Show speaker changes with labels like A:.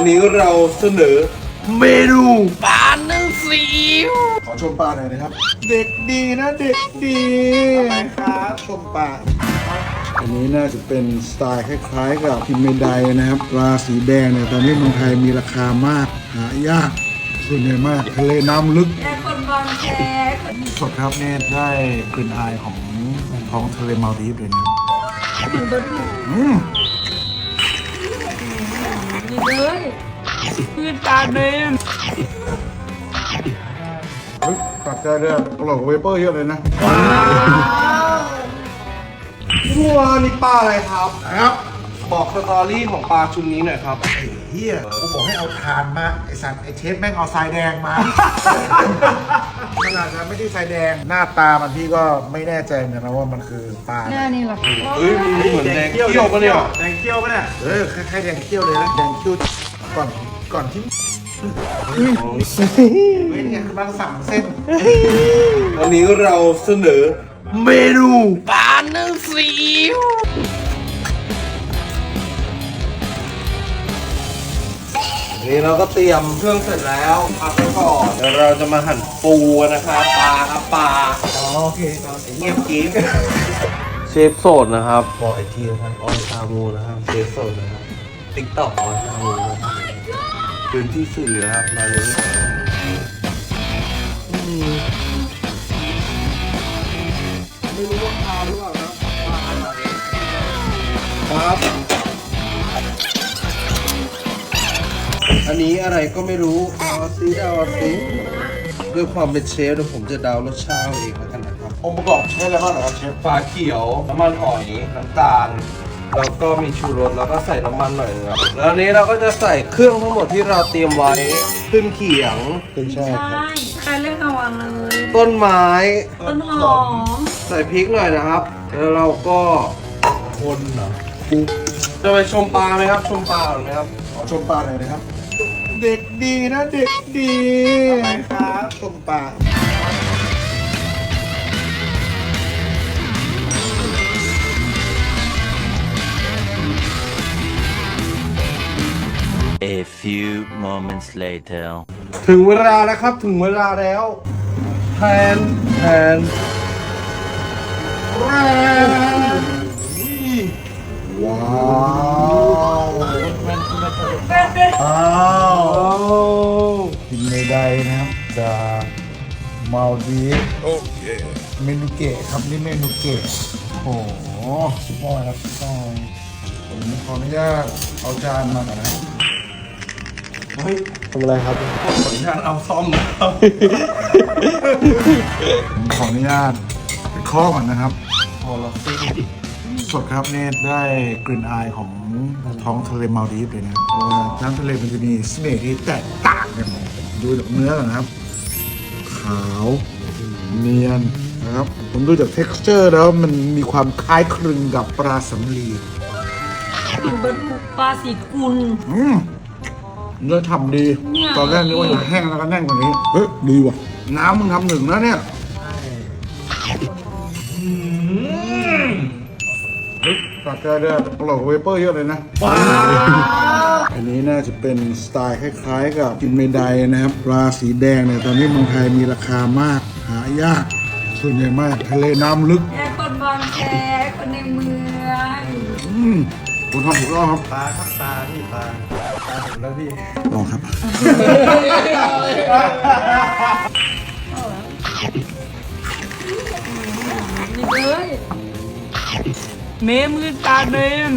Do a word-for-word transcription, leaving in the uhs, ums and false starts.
A: วันนี้เราเสนอเมนูปลานึ่งซีอิ๊วขอชมปลาหน่อยนะครับ เด็กดีนะเด็กดีอะไรครับชมปลาอันนี้น่าจะเป็นสไตล์คล้ายๆกับคิมเมไดนะครับปลาสีแดงเนี่ยตอนนี้เมืองไทยมีราคามากหายากส่วนใหญ่มากทะเลน้ำลึก
B: แค่คนบางแค
A: สดครับเนี่ยได้กลิ่นอายของท้องทะเลมาลดีฟเลยนะอืม
B: นี่เลยพืชตาเนม
A: เฮ้ยตัดใจเลยอะอร่อยกว่าเวเปอร์เยอะเลยนะว้าวนี่ปลาอะไรครับครับบอกสตอรี่ของปลาชุดนี้หน่อยครับ
C: ไอ้เฮียกูบอกให้เอาทานมาไอ้สัตว์ไอ้เชฟแม่งเอาทรายแดงมาขนาดนั้นไม่ได้ทรายแดงหน้าตามันพี่ก็ไม่แน่ใจเหมือนกันนะว่ามันคือปลา
B: หน้านี่หรอ
A: เฮ้ยมันเหมือนแดงเขี้ยวปะเนี่ย
C: แดงเขี้ยวปะเนี่ยเออคล้ายๆแดงเขี้ยวเลยนะแดงเขี้ยวก่อนก่อนที่เฮ้ยเนี่ยคือบางสั่งเส้น
A: วันนี้เราเสนอเมนูปลานึ่งซีอิ๊วนี่เราก็เตรียมเครื่องเสร็จแล้วพักไปก่อนเดี๋ยวเราจะมาหั่นปูนะครับปลาครับปลา
C: อ๋อโอเคไอ้เงียบกริ๊บ
A: เชฟโสดนะครับบอกอีกทีนะครับออนซามูนะครับเชฟโสดนะครับติ๊กต็อกออนซามูนะครับพื้นที่สื่อนะครับมาเลยไม่รู้ว่าปลาหรือเปล่าครับปลาอะไรครับอันนี้อะไรก็ไม่รู้เอาซิเอาซิด้วยความเป็นเชฟเดี๋ยวผมจะเดารสชาติเองแล้วกันนะครับองค์ประกอบใช้อะไรบ้างเหรอครับเชฟปลาเขียวน้ำมันหอยน้ำตาลแล้วก็มีชูรสแล้วก็ใส่น้ำมันหน่อยนึงครับแล้วอันนี้เราก็จะใส่เครื่องทั้งหมดที่เราเตรียมไว้ขึ้นเขียงขึ้นช่ายครับ
B: ใครเล่นเอาวางเลย
A: ต้นไม้
B: ต้นหอม
A: ใส่พริกหน่อยนะครับ แล้วเราก็คนเหรอจะไปชมปลาไหมครับ ชมปลาหรือไหมครับขอชมปลาหน่อยนะครับ เด็กดีนะเด็กดีอะไรครับชมปลา
D: A few moments later.
A: ถึงเวลาแล้วครับถึงเวลาแล้วแทนแทนแทนว้าวอ้าวกินไม่ได้นะครับจากมาลดีฟโอเคเมนูเกะครับนี่เมนูเกะโอ้โหสุดยอดครับสุดยอดผมขออนุญาตเอาจานมาหน่อยนะเฮ้ยทำอะไรครับขออนุญาตเอาซ่อมนะครับผมขออนุญาตไปเคาะก่อนนะครับพอละสิสดครับเนี่ยได้กลิ่นอายของท้องทะเลมาลดีฟเลยนะเพราะว่าน้ำทะเลมันจะมีเสน่ห์ที่แตกต่างกันดูจากเนื้อก่อนนะครับ ขาวเนียนนะครับผมดูจาก texture แล้วมันมีความคล้ายคลึงกับปลาสำลี
B: เบิร์ดปลาสีกุล
A: อืมเนื้อทำดี
B: เนี่ย
A: ตอนแรกนึกว่าจะแห้งแล้วก็แน่นกว่านี้ เฮ้ย ดีว่ะ น้ำมึงทำหนึ่งแล้วเนี่ยเฮ้ยตัดใจเลยอะอร่อยกว่าเวเปอร์เยอะเลยนะอันนี้น่าจะเป็นสไตล์คล้ายๆกับกินเมไดนะครับปลาสีแดงเนี่ยตอนนี้เมืองไทยมีราคามากหายากส่วนใหญ่มากทะเลน้ำลึก
B: แค่คนบางแคคนในเมือง
A: อืมคุณทำถูกต้องครับ
C: ปลาครับปลาพี่ปลาปลาผมแล้วพี่
A: ลองครับ
B: นี่เลยเมมือตาเนม